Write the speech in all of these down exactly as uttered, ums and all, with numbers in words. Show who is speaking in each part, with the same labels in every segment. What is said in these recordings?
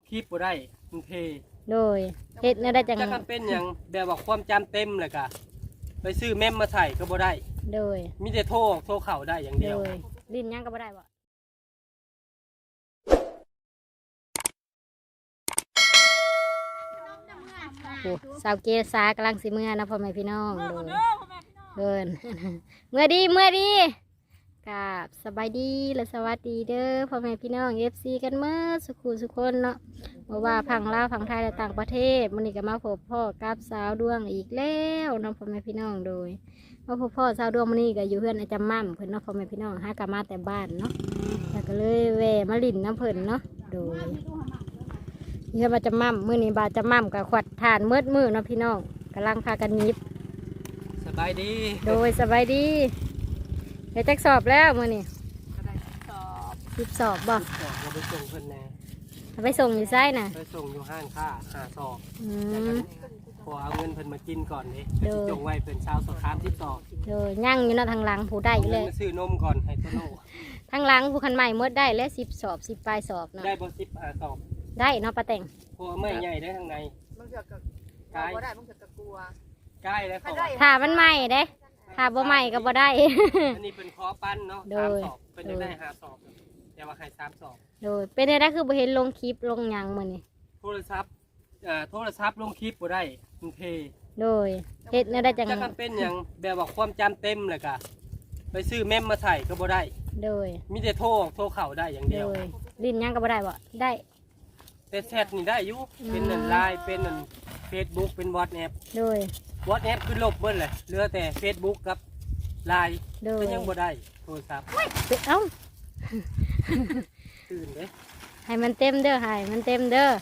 Speaker 1: คลิปบ่ได้มันเพ
Speaker 2: โดยเฮ็ดแนวได้จัง
Speaker 1: จะเป็นอย่างแบบว่าความจำเต็มเลยกะไปซื้อเมมมาใส่ก็บ่ได้
Speaker 2: โดย
Speaker 1: มีแต่โทรโทรเข่าได้อย่างเดียว
Speaker 2: โดยลิ้นยังก็บ่ได้บ่โอ้สาวเกษากำลังสิเมื่อนะพ่อแม่พี่น้องโดยเดิน เมื่อดีเมื่อดีกับสบายดีและสวัสดีเด้อพ่อแม่พี่น้องเอฟซีกันเมื่อสุขุสุขคนเนาะเพราะว่าพังลาวพังไทยและต่างประเทศมันนี่ก็มาพบพ่อกับสาวดวงอีกแล้วเนาะพ่อแม่พี่น้องโดยมาพบพ่อสาวดวงมันนี่ก็อยู่เพื่อนอาจารย์มั่มเพิ่นเนาะพ่อแม่พี่น้องหากลับมาแต่บ้านเนาะแล้วก็เลยแวะมาลิ่นน้ำเพิ่นเนาะโดยนี่ก็มาจะมั่มมื้อนี้บาจะมั่มกับขวัดทานมืดมือเนาะพี่น้องกำลังพากันยิบ
Speaker 1: สบายดี
Speaker 2: โดยสบายดีเดี๋ยวจะสอบแล้วมื้อนี้สิบสอบบ่
Speaker 1: สอบเราไปส่งเพิ่นแน่
Speaker 2: เอาไปส่งอยู่ไส้น่ะ
Speaker 1: ไปส่งอยู่ห้างค่าหาสอบ
Speaker 2: อื
Speaker 1: แล้ว
Speaker 2: ม
Speaker 1: ก็ขอเอาเงินเพิ่นมากินก่อนเด้
Speaker 2: เด้อ
Speaker 1: จงไว้เพิ่นเช้าสอบคามที่สอบ
Speaker 2: โดยย่างอยู่เนาะทางหลังผู้ได้
Speaker 1: เอา
Speaker 2: เล
Speaker 1: เงิน
Speaker 2: ย
Speaker 1: มาซื้อนมก่อนให้โตโน่
Speaker 2: ทางหลังผู้คันใหม่หมดได้และสิบสอบสิบปลายสอบเนาะ
Speaker 1: ได้บ่สิบหาสอบ
Speaker 2: ได้เนาะป้าแต่ง
Speaker 1: เพราะว่าไม่ใหญ่ได้ทางใน
Speaker 3: มึงเถื่อกับ
Speaker 1: กาย
Speaker 3: บ่ได้มึงเถื่อกับกลัว
Speaker 1: ใกล้แล้วเขา
Speaker 2: ถ้ามันใหม่เด้ถ้าบ่ใหม่ก็บ่ได้
Speaker 1: อันนี้เป็นคอปั้นเนาะ
Speaker 2: โด
Speaker 1: สาม
Speaker 2: ย
Speaker 1: สอบเพิ่นจะได้หาสอบแต่ว่าให้สามสอบ
Speaker 2: โดยเป็นได้ได้คือบ่เห็นลงคลิปลงหยังมื้อนี้
Speaker 1: โทรศัพท์อ่าโทรศัพท์ลงคลิปบ่ได้มันเพ
Speaker 2: โดยเฮ็ดแนวได้จัง
Speaker 1: จะเป็นอย่างแบบว่าความจำเต็มเลยกะไปซื้อเมมมาใส่ก็บ่ได้
Speaker 2: โดย
Speaker 1: มีแต่โทรโทรเข่าได้อย่าง
Speaker 2: โด
Speaker 1: เดียวย
Speaker 2: ลิ้นยังก็บ่ได้บ่ได้
Speaker 1: แต่แชทนี่ได้อยู่เป็นนั่นไลน์เป็นนั่นเฟซบุ๊กเป็นวอทแอป
Speaker 2: โดยว
Speaker 1: อทแอปคือลบเบิ้ลเลยเหลือแต่เฟซบุ๊กกับไลน์
Speaker 2: โดย
Speaker 1: ก็ยังบ่ได้โทรศัพท์
Speaker 2: เอ้า
Speaker 1: ตื่นเด้
Speaker 2: ให้มันเต็มเด้อให้มันเต็มเด้อ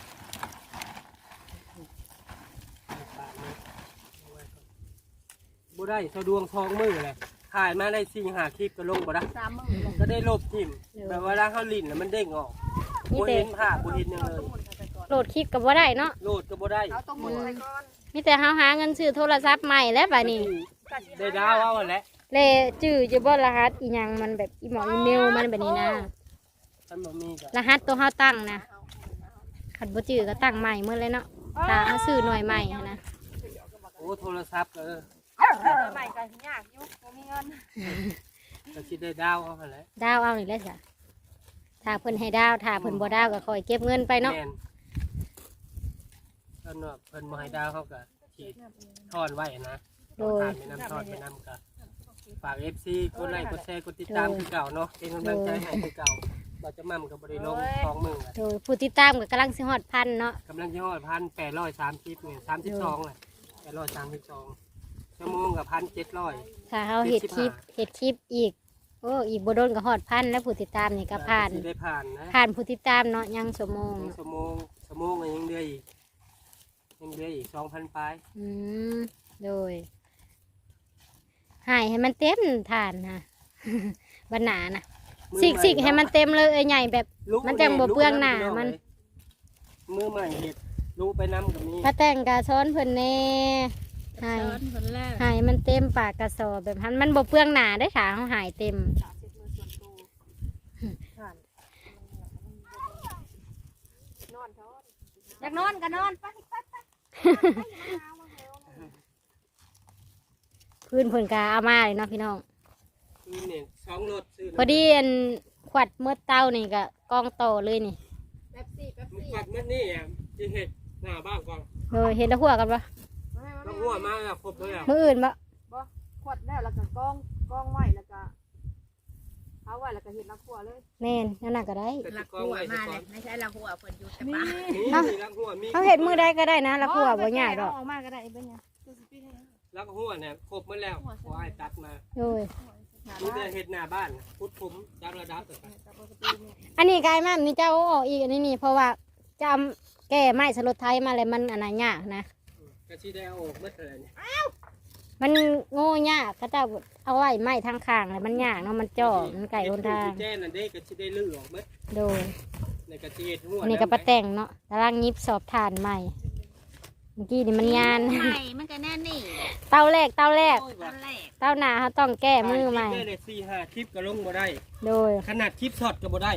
Speaker 1: บ่ได้สะดวงทองมือเลยถ่ายมาได้สี่หาคลิปก็ลงบ่ได้
Speaker 3: สามมึง
Speaker 1: ก็ได้ลบทิมแบบว่าถ้าเขาลิ้นแล้วมันเด้งออก
Speaker 2: นี่
Speaker 1: บ่
Speaker 2: แต่
Speaker 1: เห็นภาพบ่เห็นหยังเลย
Speaker 2: โหลดคลิปก็บ่ได้เนาะ
Speaker 1: โหลดก็บ่ได้
Speaker 3: เอาต้องหมุนไปก่อน
Speaker 2: มีแต่เฮาหาเงินซื้อโทรศัพท์ใหม่แล้วบัดนี้
Speaker 1: ได้ดาวเอาแหละ
Speaker 2: เลจื้อจะบ่รหัสอีหยังมันแบบอีหมออีเมลมันแบบนี้นะ
Speaker 1: ท่านบ่มีก็
Speaker 2: รหัสตัวเฮาตั้งนะขันบ่จื้อก็ตั้งใหม่เมื่อเลยเนาะถ้าเฮาซื้อหน่วยใหม่หั้นนะ
Speaker 1: โอ้โทรศัพท์เออ
Speaker 3: ใหม่ก็ยากอยู่บ่มีเงิน
Speaker 1: ก็สิได้ดาวเอาหั่นแหละ
Speaker 2: ดาวเอานี่แหละจ้ะถ้าเพิ่นให้ดาวถ้าเพิ่นบ่ดาวก็คอยเก็บเงินไปเนาะ
Speaker 1: แม่นเพิ่นว่าเพิ่นบ่ให้ดาวเขาก็สิทอนไว้นะ
Speaker 2: โดย
Speaker 1: ทานไปนำทอนไปนำก็ฝาก เอฟ ซี กดไลค์กดแชร์กดติดตามคือเก่าเนาะเป็นกำลังใจให้คือเก่าเราจะมั่มกับบริลงสองหมื่น
Speaker 2: โดยผู้ติดตามก็กำลังสิฮอดพันเนาะ
Speaker 1: กำลังยอดพันแปดร้อยสามสิบเนี่ยสามสิบสองเลยแปดร้อยสามสิบสองชั่วโมงกับพันเจ็ดร้อย
Speaker 2: ถ้าเฮาเฮ็ดคลิปเฮ็ดคลิปอีกโอ้อีกบ่โดนก็ฮอดพันแล้วผู้ติดตามนี่ก็ผ่าน
Speaker 1: ได้ผ่านนะ
Speaker 2: ผ่านผู้ติดตามเนาะยังชั่วโมง
Speaker 1: ชั่วโมงชั่วโมงก็ยังเดือยอีกยังเดือยอีกสองพันปลาย
Speaker 2: อืมโดยใหายให้มันเต็มฐานนะ บรรณานะสิกสิกให้มันเต็มเลยเอ้ยใหญ่แบบ มันจังบ่เปลืองหน้ามัน
Speaker 1: มือใหม่เห็ดรู้ไปน้ำกับมี
Speaker 2: พระแต่งกาซ้อนเพิ่นแน่ใหาย
Speaker 3: เงินคนแรก
Speaker 2: หายมันเต็มปากกระสอบแบบนั้นมันบ่เปลืองหนาได้อขาเขาหายเต็ม
Speaker 3: สามสิบมือส่วนตัวนอนเถอะอยากนอนก็นอนไปไปไป
Speaker 2: พื้นเพิ่นกาเอามาเลยเนาะพี่น้อง
Speaker 1: คือเนี่ยสองรถซื้อ
Speaker 2: พอดีอันขวัดเมื่อเต้านี่ก็กองโตเลยนี่
Speaker 3: แป๊บซี่แป๊บ
Speaker 1: มัน
Speaker 3: ซี่
Speaker 1: กัดมันนี่อ่ะจะเห็ดหน้าบ้านก่อน
Speaker 2: เออเห็นแล้วหัวกันปะ
Speaker 1: ต้องหัวมาแล้วครบเลยอ่ะ
Speaker 2: มืออื่นปะ
Speaker 3: บ่ขวดแล้วแล้วก็กองกองไว้แล้วก็เอาไว้แล้วก็เห็ดน้ำขัวเลย
Speaker 2: แม่นนั่นน่ะก็ได้
Speaker 1: แต่ที่กองไว้ก่อน
Speaker 3: ไม่ใช่ละหัวเพิ่นอยู่แต่ป่า
Speaker 1: นี่ลักหัวมี
Speaker 2: เขาเห็ดมือได้ก็ได้นะแล้วหัวบ่ใหญ่ดอก
Speaker 3: ออกมาก็ได้เป็นไง
Speaker 1: ลักหัวเนี่ยครบหมดแล้วขอให้ตัดมา
Speaker 2: โดย
Speaker 1: นี่จะเห็ดหน้าบ้านพุดผมจับระดับต่อไป
Speaker 2: อันนี้กายมากนี่เจ้าเอาออกอีกอันนี้นี่เพราะว่าจำแก้ไม้สลดไทยมาเลยมันอันนั้นยากนะ
Speaker 1: กระชีได้เอาออกเมื่อเธอเนี่ย
Speaker 2: มันโง่ยากก็จะเอาไว้ไม้ทางข้างเลยมันยากเนาะมันจ่อมันไก่คนทาง
Speaker 1: แจ้นั่นเด้กระชีได้ลื้อออกเมื่อ
Speaker 2: โดย
Speaker 1: ในกระชีเห็ดหัว
Speaker 2: อันนี้ก็ปะแต่งเนาะตารางยิบสอบทานใหม่เมื่อกี้นี่มันยาน
Speaker 3: ใหม่มันก็แน่นี่
Speaker 2: เต้าแรกเต้าแรก
Speaker 1: โอ้ย
Speaker 3: ต
Speaker 1: ว่ะ
Speaker 3: อนแรก
Speaker 2: เต้าหนาเขาต้องแก้มือใหม่
Speaker 1: ได้เลยสี่ห้าคลิปก็ลงบ่ได้
Speaker 2: โดย
Speaker 1: ขนาดคลิปช็อตก็บ่ได้ได้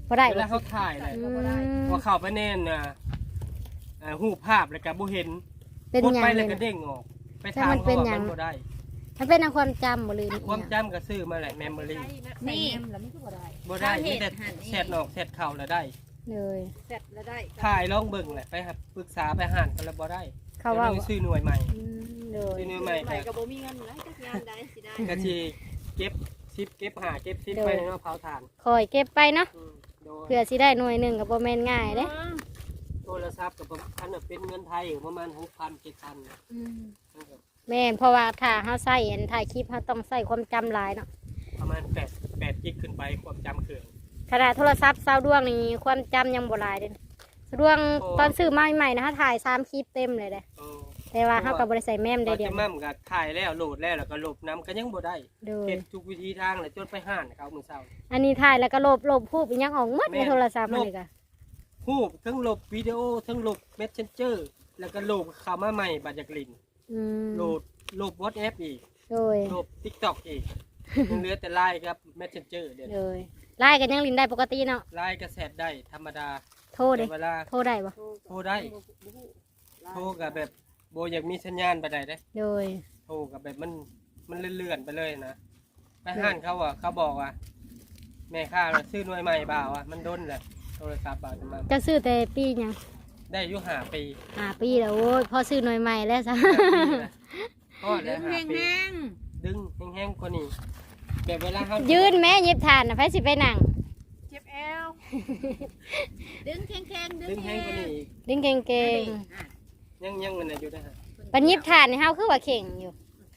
Speaker 2: บ่ได้
Speaker 1: เว
Speaker 2: บ่
Speaker 1: ลาเขาถ่ายเลย
Speaker 2: อืม
Speaker 1: ว่าเข้าไปแน่นน่ะอ่ารูปภาพแล้วก็บ่เห็น
Speaker 2: เป็น
Speaker 1: กด
Speaker 2: หยัง
Speaker 1: ไป
Speaker 2: เล
Speaker 1: แล้ว
Speaker 2: ย
Speaker 1: ก็
Speaker 2: นะ
Speaker 1: เด้งออก ไป
Speaker 2: แต่
Speaker 1: ถาม
Speaker 2: มันเป็
Speaker 1: เขา
Speaker 2: น
Speaker 1: ว่า
Speaker 2: หยัง
Speaker 1: มันบ่ได้
Speaker 2: มันเป็นทางความจำบ่ลืม
Speaker 1: ความจำก็ซื้อมาแหละ memory
Speaker 3: นี่แล้วมันก็บ่ได้
Speaker 1: บ่ได้มีแต่แชทออกแชทเข้าแล้วได้
Speaker 2: เลย
Speaker 3: เสร็จแล้วได้
Speaker 1: ถ่ายลองเบิ่งแหละไปหาปรึกษาไปหานกันแล้วบ่ได้
Speaker 2: เขาว่า
Speaker 1: ดี๋ยวนี้ซื้อหน่วยใหม่
Speaker 2: อืมเลย
Speaker 1: ซื้อหน่วย
Speaker 3: ให
Speaker 1: ใหม่
Speaker 3: ม่
Speaker 1: ก็
Speaker 3: ก็บ่มีเงินหลายจักงานได้สิได้
Speaker 1: ก็สิเก็บซิปเก็บหาเก็บซิปไปในมะพร้าวถ่าน
Speaker 2: คอยเก็บไปเนาะ
Speaker 1: อืมโดย
Speaker 2: เพื่อสิได้หน่วยหนึงก็บ่แม่นง่ายเด้
Speaker 1: โทรศัพท์กับพันน่ะเป็นเงินไทยอยู่ประมาณหกพันเจ็ดพัน
Speaker 2: อืมแม่นเพราะว่าถ้าเฮาใช้อันถ่ายคลิปเฮาต้องใช้ความจำหลายเนาะ
Speaker 1: ประมาณแปดแปดกิกขึ้นไปความจำเครื่อง
Speaker 2: ขนาดโทรศัพท์ซาวดวงนี่ความจำยังบ่หลายเด้ซาวดวง
Speaker 1: โอ้
Speaker 2: ตอนซื้อมาใหม่ๆนะเฮาถ่ายสามคลิปเต็มเลยเด้
Speaker 1: เออ
Speaker 2: แต่ว่าเฮาก็บ่ได้ใส่แม่ม
Speaker 1: ต
Speaker 2: ได้
Speaker 1: อน
Speaker 2: เดียว
Speaker 1: จะมั่มก็ถ่ายแล้วโหลดแล้วแล้วก็ลบน้ำก็ยังบ่ได้
Speaker 2: โดย
Speaker 1: เฮ็ดทุกวิธีทางเลยจนไปห้านเขามื้อเช้า
Speaker 2: อันนี้ถ่ายแล้วก็ลบลบรูปอีหยังออกหมด
Speaker 1: แม่
Speaker 2: ใน
Speaker 1: น
Speaker 2: โทรศัพท์
Speaker 1: ล
Speaker 2: มัน
Speaker 1: บ
Speaker 2: นี่ก็
Speaker 1: รูปทั้งลบวิดีโอทั้งลบ Messenger แล้วก็ลบเข้ามาใหม่บัดจากลิน
Speaker 2: อืม
Speaker 1: โหลดลบ WhatsApp อีก
Speaker 2: โดย
Speaker 1: ลบ TikTok อีกยังเหลือแต่ ไลน์ ครับ Messenger เดี๋ยว
Speaker 2: โดยไล่กันยังลินได้ปกติเนาะ
Speaker 1: ไลน์ก็แชทได้ธรรมดา
Speaker 2: โทรเด้
Speaker 1: แต่เวลา
Speaker 2: โทรได้บ่
Speaker 1: โทรได้ โทรกับแบบโบอยากมีสัญญาณไปได้เด้
Speaker 2: โดย
Speaker 1: โทรกับแบบมันมันเลื่อนๆไปเลยนะไปห้านเขาอ่ะเขาบอกว่าแม่ข้าน่ะซื้อหน่วยใหม่บ่าวอ่ะมันด้นแหละโทรศัพท์บ่าวจะมา
Speaker 2: จะซื้อแต่ปีหยัง
Speaker 1: ได้อายุห้าปี
Speaker 2: ห้าปีแล้วโอ้ยพอซื้อหน่วยใหม่แล้วซะ
Speaker 1: ห้าปีนะพอดแล้วห้าปี
Speaker 3: ง
Speaker 1: ดึงแห้งๆกว่านี้แบบเวลาเขา
Speaker 2: ยืนแม่หยิบทานนะไผสิไปนั่ง
Speaker 3: เจ็บแอวดึงแข็งๆดึ
Speaker 1: ดึ
Speaker 3: ง
Speaker 1: งแห้งกว่านี้อีก
Speaker 2: ดึงเก่ง
Speaker 1: ยังยังมันน่ะอยู่นะฮะ
Speaker 2: ๆปันหยิบทานนี่เฮาคือว่าเข่งอยู่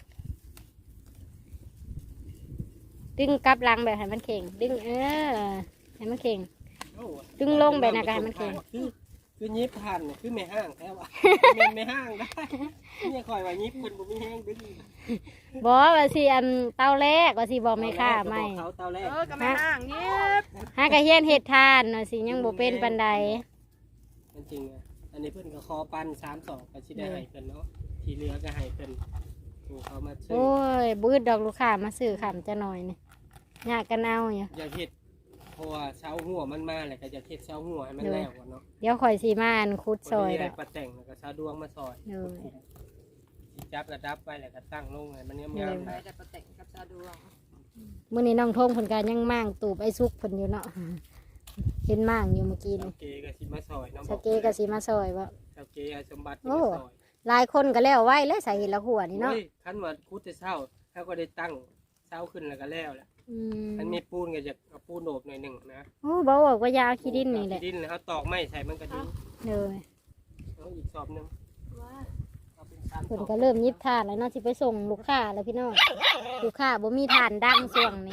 Speaker 2: ดึงกลับหลังแบบให้มันเข่ง ดึงเออให้มันเข่ง
Speaker 1: โอ้
Speaker 2: ดึงลงแบบนั้นก็ให้มันแข็ง
Speaker 1: คือคือยิบทันคือไม่ห้างแท้ว่ะแม่นไม่ห้างได้เนี่ยคอยว่ายิบคนบ่มีแห้งดึง
Speaker 2: บ่ว่าสิอันเตาแรกว่าสิบอกไม่ค่าไม่
Speaker 1: เขาเตาแรก
Speaker 3: เออก็ไม่ห่างเงียบ
Speaker 2: หากะเฮียนเฮ็ดทานเนาะสิยังบ่เป็นปานใด
Speaker 1: จริงๆอ่ะอันนี้เพิ่นก็คอปันสามสองก็สิได้ให้เพิ่นเนาะที่เหลือก็ให้เพิ่นถูกเขามาซื้อ
Speaker 2: โอ้ยบืดดอกลูกค้ามาซื้อขำจะหน่อยนี่ยากกันเอาอยู่
Speaker 1: อย่าเฮ็ดเพราะว่าเช้าหัวมันมาแหละก็จะเฮ็ดเช้าหัวให้มันแล้วก่อนเนาะ
Speaker 2: เดี๋ยวข่อยสิมาอันคุดซอย
Speaker 1: แล้
Speaker 2: แล้ว ว
Speaker 1: ปลาแต่งแล้วก็เช้าดวงมาซอย
Speaker 2: เออ
Speaker 1: สิจับระดับไว้แล้วก็ตั้งลงให้มันเนียมๆ
Speaker 3: ไป
Speaker 1: นะ
Speaker 3: แต่ประแต่งกับซาดวง
Speaker 2: มื้อนี้น้องทงเพิ่นก็ยังมั่างตูบไอ้ซุกเพิ่นอยู่เนาะเห็นมั่างอยู่เมื่อกี้
Speaker 1: เช้า
Speaker 2: นี่
Speaker 1: เกก็สิมาซอยเนาะ
Speaker 2: สเกก็สิมาซอยว่า
Speaker 1: เช้าเกเอาสมบัติ
Speaker 2: โอ้
Speaker 1: มาซอย
Speaker 2: หลายคนก็แล้วไว้แล้วสาเหตุละหัวนี่เนาะ
Speaker 1: โอ้ยคันว่าคุดแต่เช้าเขาก็ได้ตั้งเช้าขึ้นแล้วก็แล้วแหละ
Speaker 2: อืม
Speaker 1: มันมีปูนก็จะเอาปูนโหนบหน่อยหนึ่งนะ
Speaker 2: โอ้บ่บอกว่ายาขี้ดินนี่แหละ
Speaker 1: ขี้ดินแล้วเขาตอกไม้ใส่มันก็ดี
Speaker 2: เลย
Speaker 1: เอาอีกสอบหนึงเอาเป็นสามส
Speaker 2: เพิ่น
Speaker 1: อบ
Speaker 2: ก็เริ่มยิบทานแล้วเนาะสิไปส่งลูกค้าแล้วพี่น้องลูกค้าบ่มีทานดังช่วงนี้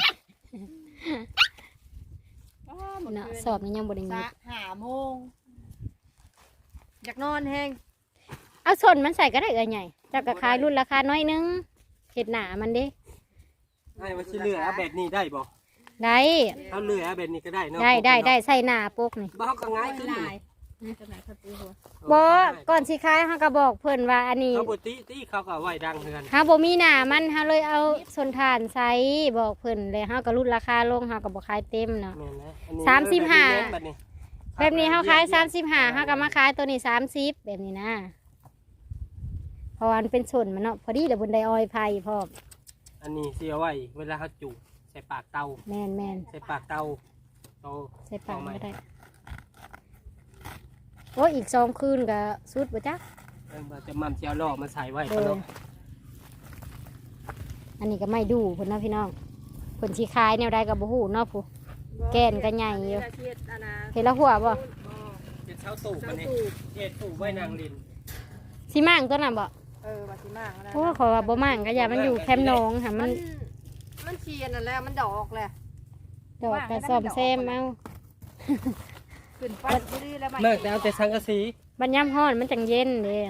Speaker 2: เนาะสอบนี้ยังบ่ได้ยิ
Speaker 3: สะ
Speaker 2: บ
Speaker 3: หาโมงอยากนอนแห้ง
Speaker 2: เอาสนมันใส่ก็ได้เอ้ยใหญ่จักก็ขายรุ่นราคาน้อยนึงเฮ็ดหน้ามันเด้
Speaker 1: ให้ว่าสิเหลือเอาแบบนี้ได้บ่
Speaker 2: ได้
Speaker 1: เอาเหลือเอาแบบนี้ก็ได้เนาะ
Speaker 2: ได้ได้ได้ใส่หน้าปกนี่
Speaker 1: บ่เขาก็ง่ายขึ้น
Speaker 3: ลา
Speaker 1: นี่
Speaker 3: ยจะไหนครับตีหัว
Speaker 2: บ่ก่อนสิขายเฮาก็บอกเพิ่นว่าอันนี้
Speaker 1: เขาบ่ตีตีเขาก็เอาไว้ดังเฮือน
Speaker 2: เฮาบ่มีหน้ามันเฮาเลยเอาสนทานใส่บอกเพิ่นเลยเฮาก็ลดราคาลงเฮาก็บ่ขายเต็มเนาะ
Speaker 1: แม่นนะอันนี้
Speaker 2: สามสิบห้า
Speaker 1: เออแบบนี้
Speaker 2: แบบนี้เฮาขายสามสิบห้าเฮาก็มาขายตัวนี้สามสิบแบบนี้นะเพราะว่ามันเป็นส่วนมันเนาะพอดีเดี๋ยวบนไดออยไผ่พร้อม
Speaker 1: อันนี้สิเอาไว้เวลาเขาจุใส่ปากเตา
Speaker 2: แม่นแม่น
Speaker 1: ใส่ปากเตาโต
Speaker 2: ใส่ปาก
Speaker 1: เอใหม่
Speaker 2: ก็ได้โอ้ยอีกสองคืนก็สุดบ่จ๊ะ
Speaker 1: เออบ่จะมั่มสิเอาล่อมาใส่ไว้
Speaker 2: โด
Speaker 1: ก็
Speaker 2: ย
Speaker 1: เนาะ
Speaker 2: อันนี้ก็ไม่ดูเพิ่นเนาะพี่น้องเพิ่นสิขายแนวใดก็บ่ฮู้เนาะผู้ แก่นก็ใหญ่อยู่
Speaker 3: เทียดอันนะ
Speaker 2: เห็นแล้วหัวบ่
Speaker 1: เป็นเช้าตู่
Speaker 3: เช้า
Speaker 1: มันนี่
Speaker 3: ตู่
Speaker 1: เฮ็ดตู่ไว้นางลิน
Speaker 2: สิมั่งตัวนั้นบ่
Speaker 3: เออบัดสิมากนะ
Speaker 2: โอ้ขอยว่าบ่มั่งก็อย่ามันอยู่แคมป์หนองค่ะมั
Speaker 3: มัน นมันเชียนนั่นแหละมันดอกแหละ
Speaker 2: ดอกก็ซ่อมแซมเอา
Speaker 3: ขึ้นไปดีๆแล้ว
Speaker 1: มากแต่เอาแต่สังกะสี
Speaker 2: บัดยามร้อนมันจังเย็นเด้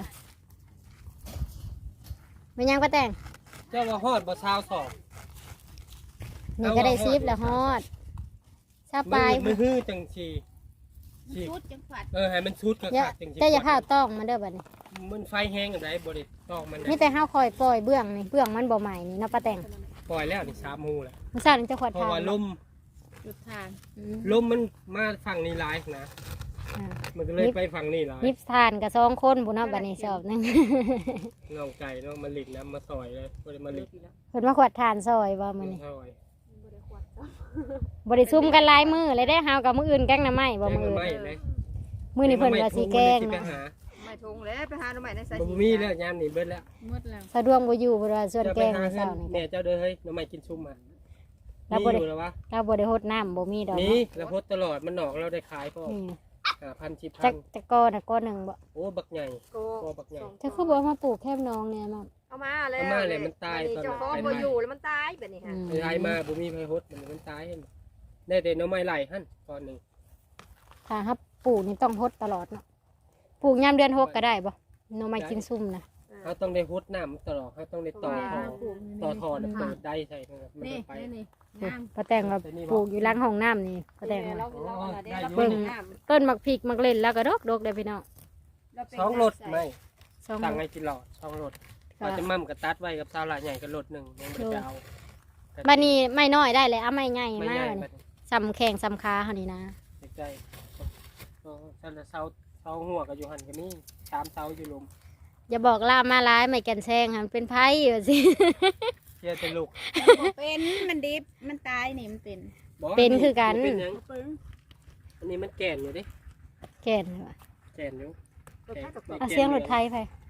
Speaker 2: มันยังบ่แต่ง
Speaker 1: เจ้าว่าฮอดบ่ซาวสอบ
Speaker 2: นี่ก็ได้ซิปแล้วฮอดซาปลาย
Speaker 1: มือฮื้อจังสีสี
Speaker 3: ชุดจังฝัด
Speaker 1: เออให้มันชุดก็
Speaker 2: อย่า
Speaker 1: ขาดจังสี
Speaker 2: เจ้าอย่าพาต้องมันเด้อบัดนี้
Speaker 1: มันไฟแห้งอะไรบ่ได้ตอกมัน
Speaker 2: มี
Speaker 1: นะ
Speaker 2: แต่ห้าคอยปล่อยเบื้องนี่เบื้องมันบ่ใหม่นี่เนาะป้าแต่ง
Speaker 1: ปล่อยแล้วนี่สามหมู่แหละ
Speaker 2: มันสั่นจะขวด
Speaker 1: เพราะ
Speaker 2: ทาน
Speaker 1: ว่าลม
Speaker 3: จุดทาน
Speaker 2: อืม
Speaker 1: ลมมันมาฝั่งนี้หลายนะ
Speaker 2: อ่า
Speaker 1: มันก็เลยไปฝั่งนี้หลาย
Speaker 2: ยิบทานกับสองคนบุญเอาบัดนี้สอบหนึง
Speaker 1: น้องไก่น้องมาหลิกน้ำมาซอยเลยบ่ได้มาหลิก
Speaker 2: เพิ่นมาขวดทานซอยบ่มื้อนี้
Speaker 1: ซอย
Speaker 2: บ่ได้ซุ่มกันหลายมื้อเลยได้เฮากับมื้ออื่นแกงหน้ำไม้บ่
Speaker 1: แกง
Speaker 2: มื้อ
Speaker 1: หน่อ
Speaker 2: อื่น
Speaker 1: ไม้เลย
Speaker 2: มื้อนี้เพิ่นว่าสิแกง
Speaker 1: ไป
Speaker 2: นะ
Speaker 1: หา
Speaker 3: ไม่ทงแล้วไปหาหน่อไม้ในสาย
Speaker 1: บ่มีแล้วยามนี้เบิดแล้ว
Speaker 3: หมดแล้ว
Speaker 2: สะดวกบ่อยู่เพิ่นว่าส่วน
Speaker 1: จะ
Speaker 2: แก
Speaker 1: ไป
Speaker 2: ง
Speaker 1: หา
Speaker 2: มื้อ
Speaker 1: เงิ
Speaker 2: เช้าน นี่
Speaker 1: แม่เจ้าเด้อเฮ้ยหน่อไม้กินชุ่มอ่ะ
Speaker 2: เรา
Speaker 1: มี
Speaker 2: บ่ได้
Speaker 1: อยู่แล้ววะ
Speaker 2: เราบ่ได้รดน้ำบ่มีดอก
Speaker 1: นี่
Speaker 2: เนาะ
Speaker 1: แล้วพดตลอดมันหนอกเราได้ขายพ่อ
Speaker 2: นี่
Speaker 1: ห้าพันสิบพั
Speaker 2: จั
Speaker 1: น
Speaker 2: กจักกอน่ะกอหนึงบ่
Speaker 1: โอ้บักใหญ่
Speaker 3: โก
Speaker 1: พ่อบักใหญ่
Speaker 2: จะคือบ่เอามาปลูกแคบน้องเนี่ยมั้ง
Speaker 3: เอามาแล้ว
Speaker 1: เอามาเลยมันตายตอน
Speaker 3: เจ้าของบ่อยู่แล้วมันตายแบบนี้
Speaker 2: อื
Speaker 3: ค่ะ
Speaker 2: ม
Speaker 1: ไอ้มาบ่มีไผฮดมันมันตายเห็นได้แต่หน่อไม้ไหลหั่นตอนหนึง
Speaker 2: ถ้าครับปลูกนี่ต้องรดตลอดเนาะปลูกยามเดือนหกก็ได้บ่หน่อไม้กินซุ่มนะ
Speaker 1: เขาต้องได้ฮดน้ำตลอดเขาต้องได้ต่อท่อต่อท่อน่ะเปิดได้ใช่ครับมัน
Speaker 3: นี่
Speaker 1: จะไป
Speaker 3: นี่
Speaker 2: ป้าแตงเราปลูกอยู่หล้างห้องน้ำนี่ป้าแตง
Speaker 3: เรา
Speaker 2: ว่า
Speaker 3: เราเราได้
Speaker 1: ได้
Speaker 3: เรา
Speaker 1: อยู่
Speaker 3: เบิ่ง
Speaker 2: ต้นมักพริกมักเล่นแล้วก็ดกดกเลยพี่น้อง
Speaker 1: สองรถไม่
Speaker 2: สอง
Speaker 1: สั่งให้กินหลอดสองรถ
Speaker 2: ก็
Speaker 1: อาจจะมั่มกับตัดไว้กับซาวหลาใหญ่กับรถหนึ่งยังไม่จะเอา
Speaker 2: บัดนี้ไม่น้อยได้เลยเอาไม่ใหญ่
Speaker 1: ไม่
Speaker 2: มา
Speaker 1: ใหญ่
Speaker 2: ก
Speaker 1: บัดนี้
Speaker 2: สำแข่งสำคาเฮานี่นะ
Speaker 1: ใจเออเสาเสาเสาหัวกับอยู่หันกันนี่สามเสาอยู่ลุม
Speaker 2: อย่าบอกล่ามาร้ายไม่กันแซงค่ะมันเป็นไพ่ว่าสิ
Speaker 1: เชื่อแต่ลูก
Speaker 3: เป็นมันดิบมันตายนี่มันเป็น
Speaker 1: บ่
Speaker 2: เป็นคือกัน
Speaker 1: เป็นหยัง
Speaker 3: ปึ้ง
Speaker 1: อันนี้มันแก่นอยู่ดิ
Speaker 2: แก่นว่ะ
Speaker 1: แก่นอยู่
Speaker 3: รถไฟกับ
Speaker 2: อ่ะเสียงรถไทยไป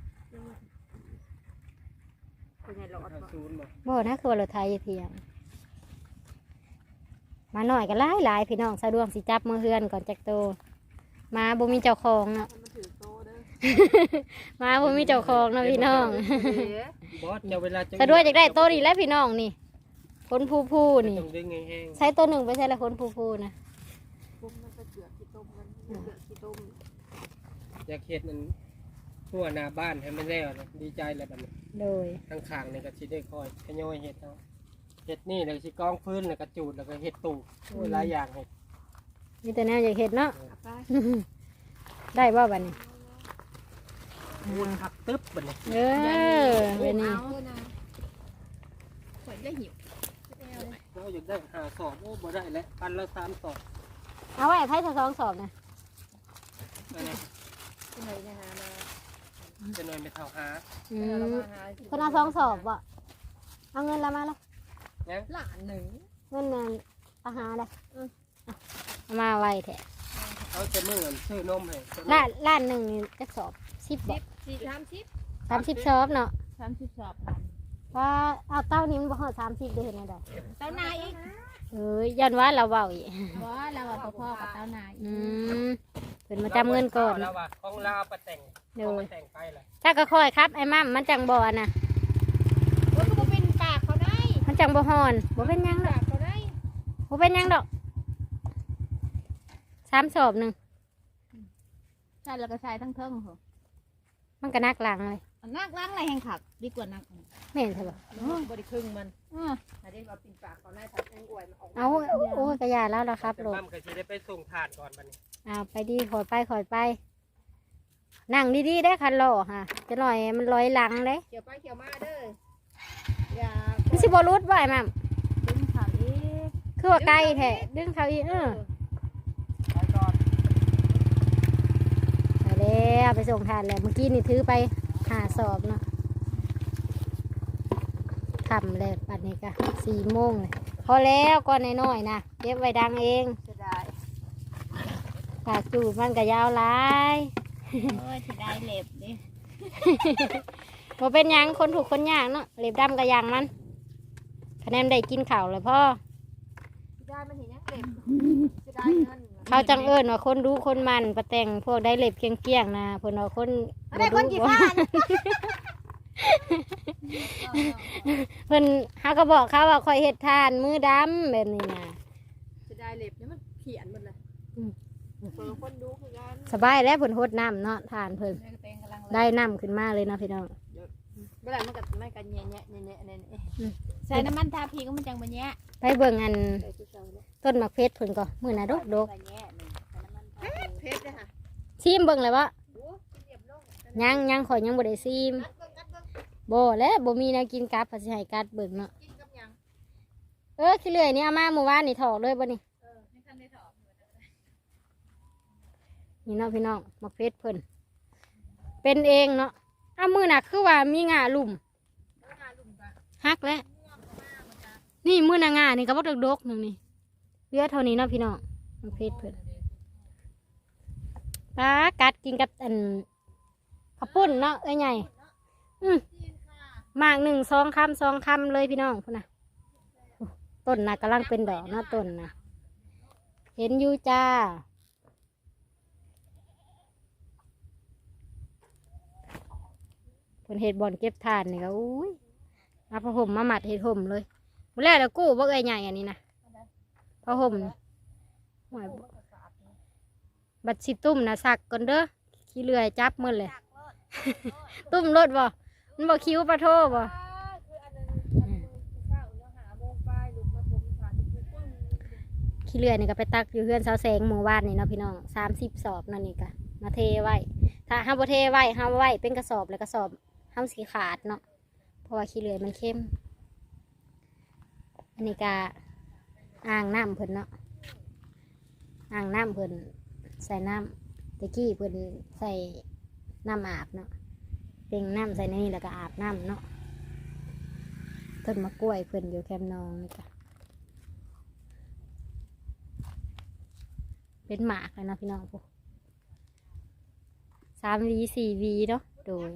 Speaker 3: เป็นไงหลอด
Speaker 1: เอาศูนย์มา
Speaker 2: บ่นะคือว่ารถไทยเพียง มาหน่อยก็หลายหลายพี่น้องสะดวกสิจับมือเฮือนก่อนจักโตมาบ่มีเจ้าของเนาะ
Speaker 3: มันถือโตเด้อ
Speaker 2: มาบ่มีเจ้าของเนาะพี่น้อง
Speaker 1: บอสจะเวลาจะ
Speaker 2: สะดวกอยากได้โตนี่แหล้วพี่น้องนี่คนผู้ผู้นี่
Speaker 1: ต้องดึงแห้ง
Speaker 2: ใช้ตัวหนึ่งไปใช้ละคนผู้ผู้นะ
Speaker 3: ปุ๊บมันก็เจือกขี้ต้มมันเจือกขี้ต้ม
Speaker 1: ๆอยากเห็ดนั่นทั่วหน้าบ้านให้มันแล้วนะดีใจแล้วบัดนี้
Speaker 2: โดย
Speaker 1: ข้างข้างๆนี่ก็สิได้คอยขย่อยเห็ดเอาเห็ดนี่แล้วสิกองฟื้นแล้วก็จูดแล้วก็เห็ดตูโอ้ยหลายอย่างเห็ด
Speaker 2: มีแต่แนวอยากเห็ดเนาะ
Speaker 3: เอาไป
Speaker 2: ได้บ่บัดนี้
Speaker 1: มูลผักตึ๊บบัดนี้
Speaker 2: เออเป็นนี่
Speaker 3: ข่อยได้หิว
Speaker 1: เราอยากได้หาสอบโอ้บ่ได้แล้วพันละสามสอบ
Speaker 2: เอาไว้ให้สองสอบนะ
Speaker 1: อันนี้
Speaker 3: ที่ไหนเนี่ยนะมา
Speaker 1: จะหน่อยไม่เท่าหา
Speaker 2: อื
Speaker 3: เรา
Speaker 2: ม
Speaker 3: มาหา
Speaker 2: คนเอาสองสอบบ่เอาเงินละมาละ
Speaker 3: หลานหนึ่ง
Speaker 2: เงินนั่นเอาหาเลยเอามาไว้แท้
Speaker 1: เขาจะเมื่อกันซื้อนมให้จะ
Speaker 2: ล้านล้านหนึ่งนี่จะสอบสิบบ่
Speaker 3: สี่สามสิบ
Speaker 2: สามสิบสอบเนาะ
Speaker 3: สามสิบสอบพัน
Speaker 2: ว่าเอาเต้านี้มันบ่ฮอดสามสิบได้เห็นไหมดอก
Speaker 3: เต้านายอีก
Speaker 2: เอ้ยย้อนว่าเราเว้าอีก
Speaker 3: ว่าเราอะพ่อกับเต้านาย
Speaker 2: อืมเพิ่นมาจำเงินก่อน
Speaker 1: แล้วว่าของเราเอาไปแต่ง
Speaker 2: โด
Speaker 1: เอา
Speaker 2: ย
Speaker 1: ไปแต่งไปเลย
Speaker 2: ถ้าก็ค่อยครับไอ้มั่มมันจังบ่อนะ
Speaker 3: ว่าก็เป็นปากเขาได้
Speaker 2: มันจังบ่ฮอนบ่เป็นหยังดอก
Speaker 3: ปากเขาได้
Speaker 2: บ่เป็นหยังดอกสามสอบหนึ่ง
Speaker 3: ใช่แล้วก็ใช้ทั้งเทิงเหรอ
Speaker 2: มันก็นักหลังเลย
Speaker 3: นักล้างอะไรแห่งขับดีกว่านัก
Speaker 2: แม่นใช่ปะ
Speaker 3: บริครึ่งมันถ้าได้มาปินปากเขาได้ทับแองอวยมันออก
Speaker 2: เอาโอ้ยกระยาแล้วล่ะครับ
Speaker 1: แต่
Speaker 2: ลูก
Speaker 1: มั่มก็สิได้ไปส่งถาดก่อนบัดนี้
Speaker 2: เอาไปดีขอยไปขอยไป นั่งดีๆได้อคันล้อค่ะ จะหน่อยมันลอยหลังเลย
Speaker 3: เขียวไปเขียวมาเด้ออย่า
Speaker 2: มันสิบ่รุดบ่ไอ้มั่ม
Speaker 3: ดึงขาอีก
Speaker 2: คือว่าไกลแท้ดึงเขาอีกเออ
Speaker 1: ไปก่อน
Speaker 2: ไปแล้วไปส่งทานแล้วเมื่อกี้นี่ถือไปหาสอบเนาะทำเลยปัดนี้ก็สี่โมงเลยพอแล้วก่อนน้อยๆนะเก็บไว้ดังเอง
Speaker 3: จะได้
Speaker 2: ปากจูดมันก็ยาวหลาย
Speaker 3: โอ้ยจะได้เล็บดิ
Speaker 2: บ่เป็นหยังคนถูกคนยากเนาะเล็บดำก็ยางมันคะแนนได้กินข้าวเลยพ่อ
Speaker 3: จะได้มันเห็นยังเล็บจะได้เงิน
Speaker 2: เขาจังเอิญว่าคนดูคนมันประแต่งพวกได้เล็บเกี้ยงๆนะเพิ่นว่าคน
Speaker 3: อะไรคนกี่พัน
Speaker 2: เพิ่นเฮาก็บอกเขาว่าคอยเฮ็ดทานมือดำแบบนี้นะ
Speaker 3: จะได้เล็บเนี่ยมันเขียนหมดเลยเปิดคนดูคือกัน
Speaker 2: สบายแล้วเพิ่นโฮดน้ำเนาะทานเพิ่นได้น้ำขึ้นมาเลยนะพี่น้อง
Speaker 3: เมื่อไหร่มันก็ไม่กันแย่แย่แย่แย่เนี่ยใส่น้ำมันทาพีก็มันจังมันแย่
Speaker 2: ไปเบิ่งอัน
Speaker 3: ใส่ชุดเช้าเนี่ย
Speaker 2: ต้นมะเพชรเพิ่นก็มื้อน่ะดกดก
Speaker 3: เพชรเลยค่ะ
Speaker 2: ซีมเบิ่งเลยว่า
Speaker 3: โอ้เรียบลง
Speaker 2: ยังยังข่อยยังบ่ได้ซีม
Speaker 3: กัดเบิ่งกัดเบิ่ง
Speaker 2: บ่แล้วบ่มีแนวกินกับพาสิให้กัดเบิ่งเนาะ
Speaker 3: กินกับยัง
Speaker 2: เออขี้เลื่อยนี่เอามาเมื่อวานนี่ถอกเลยบ่นี่
Speaker 3: เออ
Speaker 2: นี่เนาะพี่น้องมักเพชรเพิ่นเป็นเองเนาะอ้ามือหนักคือว่ามีงาลุ่มฮักแล้วนี่มือหนางานี่ก็บ่ดกๆหนึงนี่เหลือเท่านี้เนาะพี่น้องมักเพชรเพิ่นปลากัดกินกับอันข้าวปุ้นเนาะเอ้ยใหญ่อืมหมากหนึ่งสองคำสองคำเลยพี่น้องพุ่นนะต้นนะกำลังเป็นดอกเนาะต้นนะเห็นอยู่จ้าเพิ่นเห็ดบ่อนเก็บทานนี่ก็อุ้ยเอาผ้าห่มมาหมัดเห็ดห่มเลยมื้อแรกแล้วกู้บ่เอ้ยใหญ่อันนี้นะผ้าห่มนี่โอ้ยบัดสิตุ้มนะสักก่อนเด้อขี้เลื่อยจับมือเลย ตุ้มรถบ่มันบ่คิ้วปลาโทบ่ขี้เลื่อยนี่ก็ไปตักอยู่เฮือนเสาแสงหมู่บ้านนี่เนาะพี่น้องสามสิบสอบนั่นนี่ก็มาเทไว้ถ้าห้าบ่เทไว้ห้าไว้เป็นกระสอบแล้วกระสอบห้ามสีขาดเนาะเพราะว่าขี้เลื่อยมันเข้มอันนี้ก็อ่างน้ำเพิ่นเนาะอ่างน้ำเพิ่นใส่น้ำตะกี้เพิ่นใส่น้ำอาบเนาะเป็นน้ำใส่ในนี่แล้วก็อาบน้ำเนาะต้นมะกล้วยเพิ่นอยู่แคมนองนี่ก็เป็นหมากเลยนะพี่น้องพวกสามวีสี่วีเนาะโดย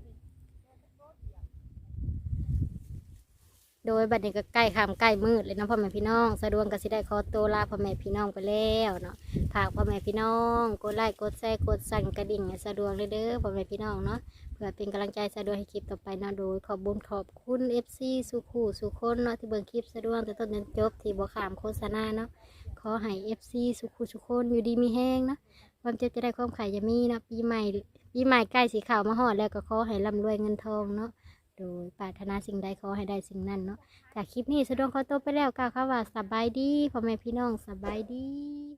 Speaker 2: โดยบัดนี้ก็ใกล้ค่ำใกล้มืดเลยเนาะพ่อแม่พี่น้องสะดวกก็สิได้ขอตัวลาพ่อแม่พี่น้องไปแล้วเนาะฝากพ่อแม่พี่น้องกดไลค์กดแชร์กดสั่นกระดิ่งให้สะดวกเลยเด้อพ่อแม่พี่น้องเนาะเพื่อเป็นกำลังใจสะดวกให้คลิปต่อไปเนาะโดยขอบบุญขอบคุณเอฟซีสุขูสุคนเนาะที่เบิ่งคลิปสะดวกแต่ต้นจนจบที่บ่ขามโฆษณาเนาะขอให้เอฟซีสุขูสุคนอยู่ดีมีแห้งเนาะความเจ็บจะได้ความขายจะมีเนาะปีใหม่ปีใหม่ใกล้สีขาวมาหอดแล้วก็ขอให้ร่ำรวยเงินทองเนาะโดยปรารถนาสิ่งใดขอให้ได้สิ่งนั้นเนาะจากคลิปนี้สะดวกขอตัวไปแล้วกล่าวคำว่าสบายดีพ่อแม่พี่น้องสบายดี